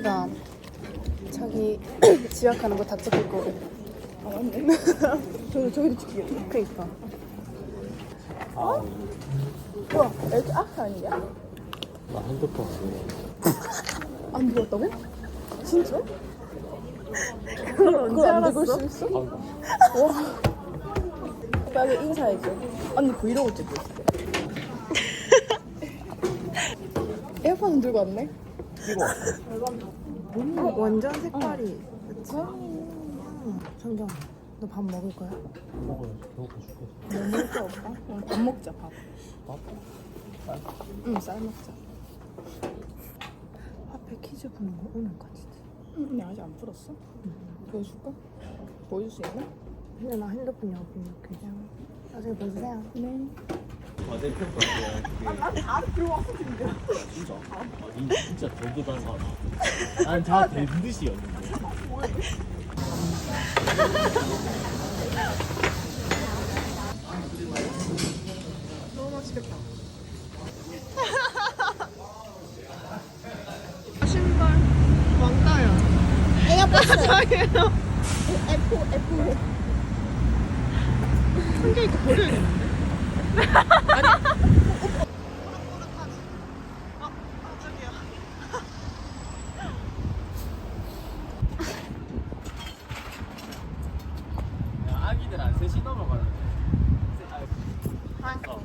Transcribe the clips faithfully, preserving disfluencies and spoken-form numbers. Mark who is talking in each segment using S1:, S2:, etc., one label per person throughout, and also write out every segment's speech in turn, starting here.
S1: 여기가 자기 지각하는 거 다 찍힐 거고.
S2: 아 맞네. 저 저기도 찍히겠네.
S1: 그니까.
S3: 아,
S2: 우와 이렇게 아크 아니냐?
S3: 나 핸드폰 안
S2: 안 들었다고? 진짜?
S1: 그걸 언제
S2: 그걸 안 들고
S1: 알았어?
S2: 있을 수 있어?
S3: 돼.
S2: 와. 빨리 인사해줘. 언니 브이로그 찍고 있어. 에어팟은 들고 왔네?
S3: 끼고 왔어.
S1: 어, 완전 색깔이. 그치? 성경, 너 밥 먹을 거야?
S3: 먹어요. 배고파 죽겠어.
S2: 뭐 먹을 거 없다? 어, 밥 먹자 밥.
S3: 밥?
S2: 응 쌀 먹자.
S1: 화폐 퀴즈 푸는 거 오늘까지.
S2: 응 근데 아직 안 풀었어? 응. 보여줄까? 보여줄 수 있나?
S1: 근데 나 핸드폰이 없긴 이렇게. 나중에 보여주세요.
S2: 네.
S3: 과제 평가.
S2: 난다 들어왔어 근데.
S3: 진짜? 아, 니 진짜 저보다 사람. 난다 대듯이였는데.
S1: 너무 맛있겠다. 신발 왕따야.
S2: 에어팟
S1: 자기요.
S2: F F.
S1: 한개 이거 버려야겠는데?
S3: 야, 아기들 안 셋이 넘어가는데. 어.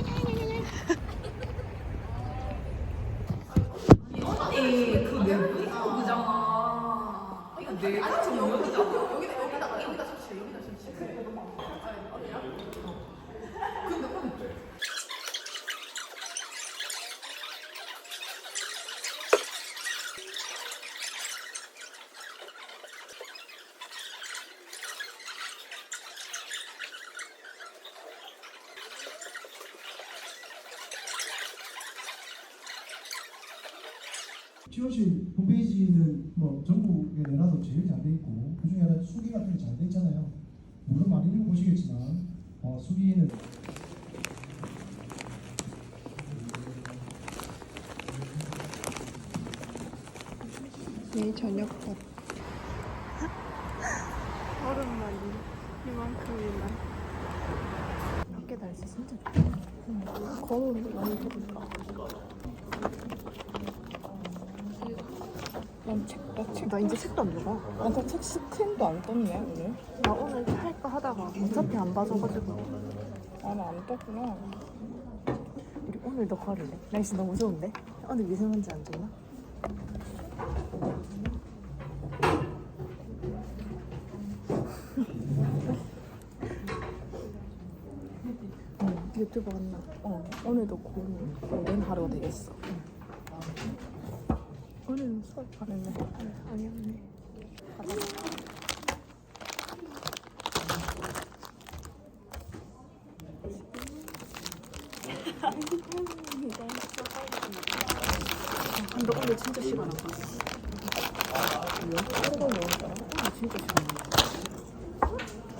S4: 지원실 홈페이지는 뭐 전국에 내놔도 제일 잘 돼 있고 그중에 하나 수기 같은 게 잘 돼 있잖아요. 물론 많이 읽어보시겠지만 어, 수기는
S1: 내일 저녁밥. 얼음말이 이만큼이나. 밖에 날씨 진짜 좋다.
S2: 거울 많이 들어볼까? 난 책, 나 책.
S1: 나 이제 책도 안 읽어.
S2: 아까 책 스크린도 안 떴네 오늘.
S1: 나 오늘 할까 하다가 어차피 안 봐줘가지고.
S2: 아 나 안 떴구나.
S1: 우리 오늘도 거리래. 날씨 너무 좋은데? 오늘 미세먼지 안 좋나? 응, 유튜브 왔나?
S2: 어 오늘도 고른 고른 하루가 되겠어.
S1: 오늘은 수업 가는데 아니었네. 근데 오늘 진짜 시간 안 갔어.
S2: 하루가 뭐였더라?
S1: 오늘 진짜 시간 안 갔어.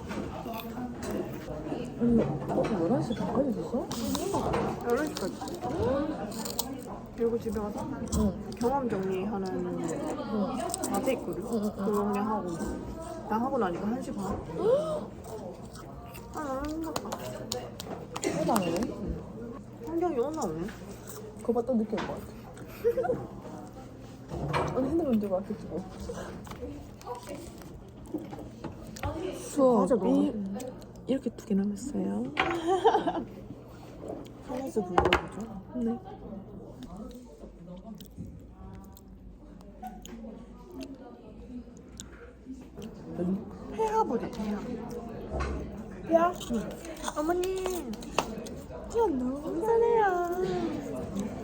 S2: 어 열한 시 반까지 있었어?
S1: 열한 시까지. 그리고 집에 가서
S2: 응.
S1: 경험 정리하는 과제 있거든. 그거 그냥 하고 있어. 나 하고 나니까 한 시 반. 아, 너무 힘들다.
S2: 해당이네.
S1: 환경이 오나 오네.
S2: 그거 봤다 느낄 것 같아. 아니 핸드폰 들고 왔겠지 뭐.
S1: 맞아,
S2: 수업이
S1: 너무 이렇게 두 개 남았어요.
S2: 하나에서 불러보죠.
S1: 네. 회화부리 회화.
S2: 야,
S1: 어머님.
S2: 야 너무
S1: 감사해요.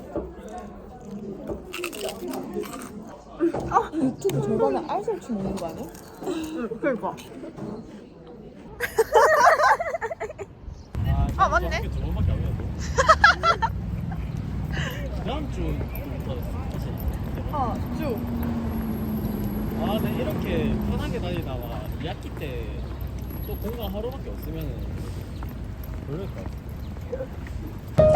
S2: 아 유튜브 절반에 알설치 먹는 거 아니야?
S1: 응, 그러니까.
S3: 아,
S1: 아, 맞네.
S3: 학교 두 번밖에 안 갔어. 다음 주부터 사실.
S2: 아 쭉.
S3: 아, 근데 이렇게 편하게 다니다가 이 학기 때 또 공강 하루밖에 없으면은 그럴 것 같아.